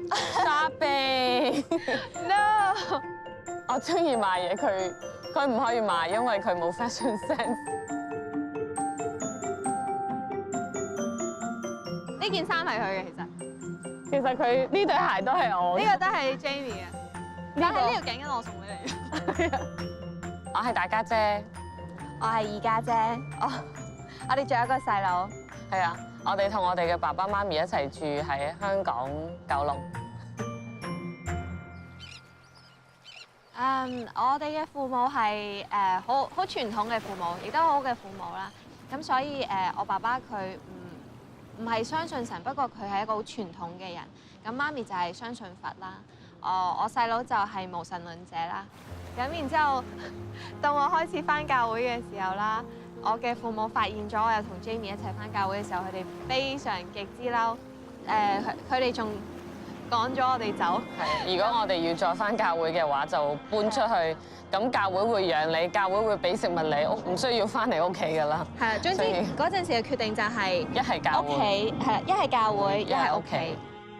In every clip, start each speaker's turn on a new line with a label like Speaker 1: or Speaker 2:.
Speaker 1: Shopping
Speaker 2: No，
Speaker 1: 我中意買嘢，佢唔可以買，因為佢冇 fashion sense。
Speaker 2: 呢件衫係佢嘅，
Speaker 1: 其實佢呢對鞋都係我嘅。
Speaker 2: 呢個都係 Jamie 嘅，但係呢條頸巾我送俾你。
Speaker 1: 我係大家姐，
Speaker 2: 我係二家姐，我哋仲有一個細佬。
Speaker 1: 係啊，我哋同我哋嘅爸爸媽咪一齊住喺香港九龍。
Speaker 2: 我哋嘅父母係好傳統嘅父母，亦都好好嘅父母啦。咁所以我爸爸佢唔係相信神，不過佢係一個好傳統嘅人。咁媽咪就係相信佛啦。我細佬就係無神論者啦。咁然之後，到我開始返教會嘅時候啦，我嘅父母發現咗我有同 Jamie 一齊返教會嘅時候，佢哋非常極之嬲。佢哋仲趕咗我哋走。
Speaker 1: 係，如果我哋要再返教會嘅話，就搬出去。咁教會會養你，教會會俾食物你，唔需要返嚟屋企㗎啦。
Speaker 2: 係啊，總之嗰陣時嘅決定就係
Speaker 1: 一係教會，
Speaker 2: 屋企係啦，一係教會，一係屋企。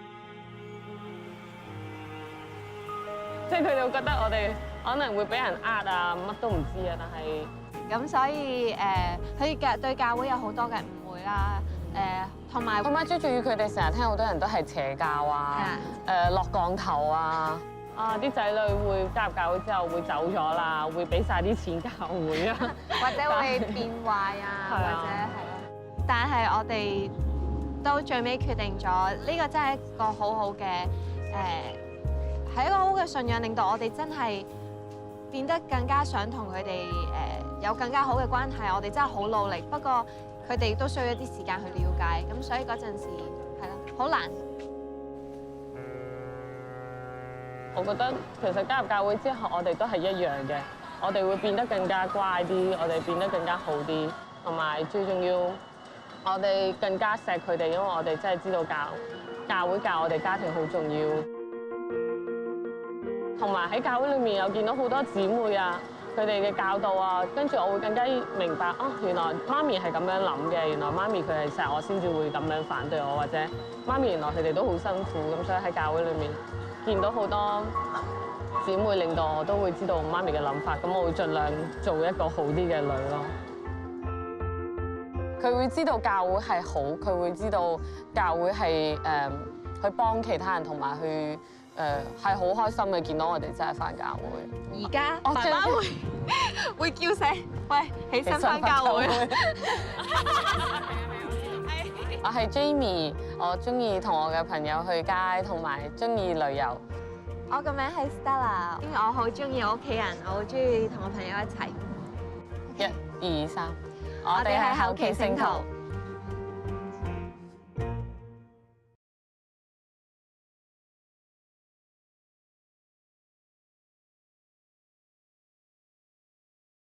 Speaker 1: 即係佢哋會覺得我哋可能會俾人呃啊，乜都唔知啊，但係
Speaker 2: 咁所以佢對教會有好多嘅誤會啦，同埋
Speaker 1: 最重要佢哋成日聽好多人都係邪教啊，落降頭啊，啲仔女會加入教會之後會走咗啦，會俾晒啲錢教會啊，
Speaker 2: 或者會變壞啊，或者係咯。但係我哋到最尾決定咗，呢個真係一個好好嘅係一個好嘅信仰，令到我哋真係變得更加想同佢哋有更加好嘅關係。我哋真係好努力，不過佢哋都需要一啲時間去了解。咁所以嗰陣時係咯，好難。
Speaker 1: 我覺得其實加入教會之後，我哋都係一樣嘅，我哋會變得更加乖啲，我哋變得更加好啲，同埋最重要，我哋更加錫佢哋，因為我哋真係知道教會教我哋家庭好重要。同埋喺教會裏面有見到好多姊妹啊，佢哋嘅教導啊，跟住我會更加明白原來媽咪係咁樣諗嘅，原來媽咪佢係錫我先至會咁樣反對我，或者媽咪原來佢哋都好辛苦，咁所以喺教會裏面見到好多姊妹，令到我都會知道媽咪嘅諗法，咁我會盡量做一個好啲嘅女咯。佢會知道教會係好，佢會知道教會係去幫其他人，同埋去係好開心嘅見到我哋真係返教會。
Speaker 2: 而家爸爸會叫醒，喂，起身返教會。
Speaker 1: 我係 Jamie， 我中意同我嘅朋友去街，同埋中意旅遊。
Speaker 2: 我個名係 Stella， 因為我好中意我屋企人，我好中意同我朋友一齊。
Speaker 1: 1、2、3，
Speaker 2: 我哋係後期聖徒。